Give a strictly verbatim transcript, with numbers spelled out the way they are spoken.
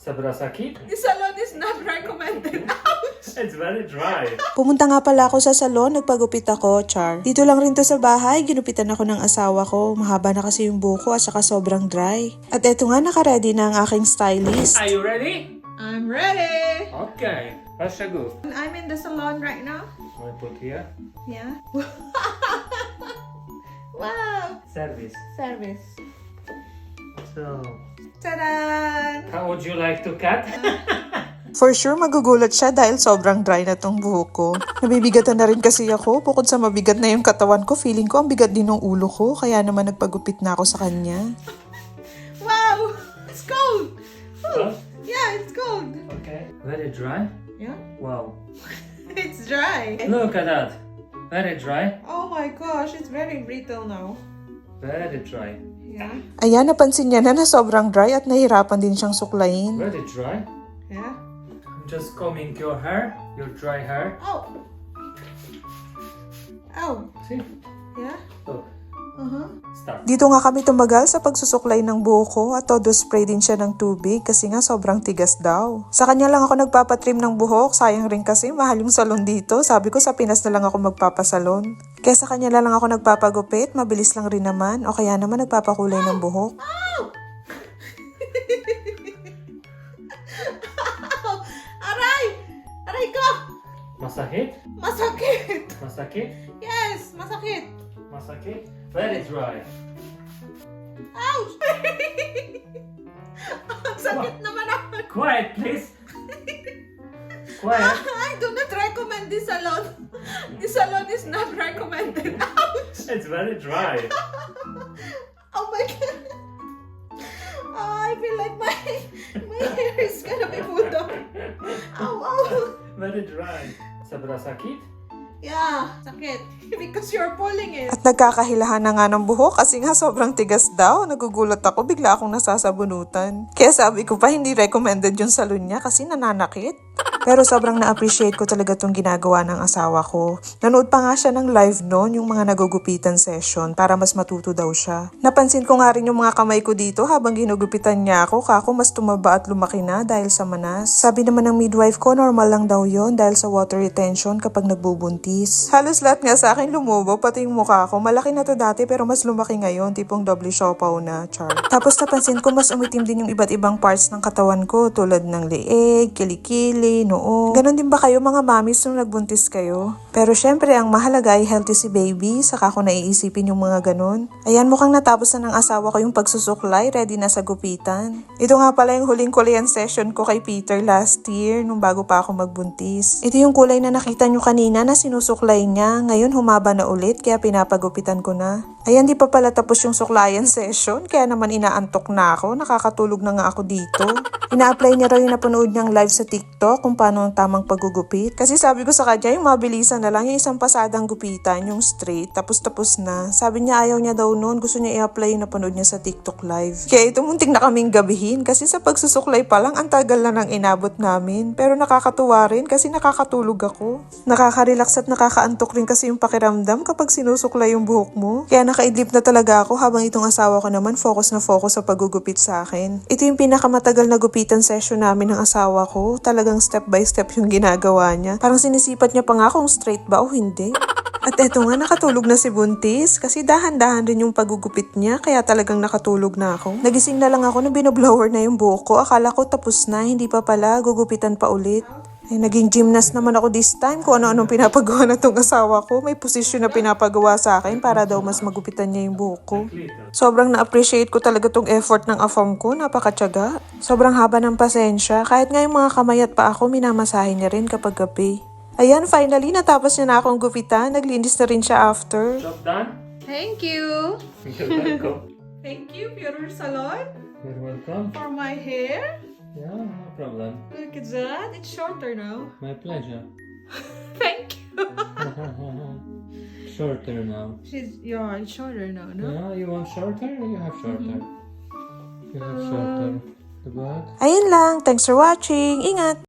Sobra sakit? The salon is not recommended. It's very dry. Pumunta nga pala ako sa salon, nagpagupit ako, char. Dito lang rin to sa bahay, ginupitan ako ng asawa ko. Mahaba na kasi yung buko at saka sobrang dry. At eto nga, nakaready na ang aking stylist. Are you ready? I'm ready. Okay. Let's go. I'm in the salon right now. I put here. Yeah. Wow. Service. Service. So, Ta-da! how would you like to cut? For sure, magugulat siya dahil sobrang dry na tong buhok ko. Nabibigatan na rin kasi ako. Bukod sa mabigat na yung katawan ko, feeling ko ang bigat din ng ulo ko. Kaya naman nagpagupit na ako sa kanya. Wow! It's cold! Huh? Yeah, it's cold. Okay. Very dry? Yeah? Wow. It's dry. Look at that. Very dry. Oh my gosh, it's very brittle now. Very dry. Yeah? Ayan, napansin niya na na sobrang dry at nahirapan din siyang suklayin. Very dry. Yeah? I'm just combing your hair, your dry hair. Oh! Oh! See? Yeah? Look. Uh-huh. Start. Dito nga kami tumagal sa pagsusuklay ng buhok ko at todo spray din siya ng tubig kasi nga sobrang tigas daw. Sa kanya lang ako nagpapatrim ng buhok, sayang rin kasi mahal yung salon dito. Sabi ko sa Pinas na lang ako magpapasalon. Kaya sa kanya lang ako nagpapagupit, mabilis lang rin naman o kaya naman nagpapakulay ng buhok. Oh! Aray! Aray ko! Masakit? Masakit! Masakit? Yes! Masakit! Masakit? Very dry. Ouch! Ang sakit naman ako. Quiet, please. Quiet. I do not recommend this salon. This salon is not recommended. Ouch! It's very dry. Oh my god. Oh, I feel like my my hair is gonna be pulled off. Ow, ow. Very dry. Sobra sakit? Yeah, sakit. Because you're pulling it. At nagkakahilahan na nga ng buhok kasi nga sobrang tigas daw. Nagugulat ako, bigla akong nasasabunutan. Kaya sabi ko pa hindi recommended yung salon niya kasi nananakit. Pero sobrang na-appreciate ko talaga itong ginagawa ng asawa ko. Nanood pa nga siya ng live noon, yung mga nagugupitan session, para mas matuto daw siya. Napansin ko nga rin yung mga kamay ko dito habang ginugupitan niya ako, kako mas tumaba at lumaki na dahil sa manas. Sabi naman ng midwife ko, normal lang daw yon dahil sa water retention kapag nagbubuntis. Halos lahat nga sa akin lumubo, pati yung mukha ko. Malaki na to dati pero mas lumaki ngayon, tipong doble siopaw na, char. Tapos napansin ko mas umitim din yung iba't ibang parts ng katawan ko tulad ng leeg, kilikili, noo. Ganon din ba kayo mga mamis nung nagbuntis kayo? Pero syempre ang mahalaga ay healthy si baby, saka ko naiisipin yung mga ganon. Ayan, mukhang natapos na ng asawa ko yung pagsusuklay, ready na sa gupitan. Ito nga pala yung huling kulayan session ko kay Peter last year nung bago pa ako magbuntis. Ito yung kulay na nakita nyo kanina na sinusuklay niya, ngayon humaba na ulit kaya pinapagupitan ko na. Ayan, di pa pala tapos yung suklayan session, kaya naman inaantok na ako, nakakatulog na nga ako dito. Ina-apply niya raw yung napanood niyang live sa TikTok kung paano ang tamang paggugupit. Kasi sabi ko sa kanya, yung mabilisan na lang, yung isang pasadang gupitan, yung straight, tapos-tapos na. Sabi niya ayaw niya daw noon, gusto niya i-apply yung napanood niya sa TikTok live. Kaya ito muntik na kaming gabihin kasi sa pagsusuklay pa lang, ang tagal na nang inabot namin. Pero nakakatuwa rin kasi nakakatulog ako. Nakaka-relax at nakakaantok rin kasi yung pakiramdam kapag sinusuklay yung buhok mo. Kaya nakaidlip na talaga ako habang itong asawa ko naman focus na focus sa paggugupit sa akin. Ito yung pinakamatagal na gupitan session namin ng asawa ko. Talagang step by step yung ginagawa niya. Parang sinisipat niya pa nga kung straight ba o hindi. At eto nga, nakatulog na si Buntis kasi dahan-dahan rin yung pagugupit niya kaya talagang nakatulog na ako. Nagising na lang ako na binoblower na yung buhok ko. Akala ko tapos na, hindi pa pala, gugupitan pa ulit. Eh, naging gymnast naman ako this time kung ano-anong pinapagawa na tong asawa ko. May posisyon na pinapagawa sa akin para daw mas magupitan niya yung buhok ko. Sobrang na-appreciate ko talaga tong effort ng afam ko, napakatyaga. Sobrang haba ng pasensya, kahit nga yung mga kamay at pa ako minamasahin niya rin kapag gabi. Ayan, finally natapos niya na akong gupitan, naglinis na rin siya after. Job done? Thank you. You're welcome. Thank you, Pure Salon, You're welcome. for my hair. Yeah, no problem. Look at that. It's shorter now. My pleasure. Thank you. Shorter now. She's yeah, it's shorter now, no? Yeah, you want shorter? You have shorter. You have shorter. The back. Ayun lang, thanks for watching, ingat!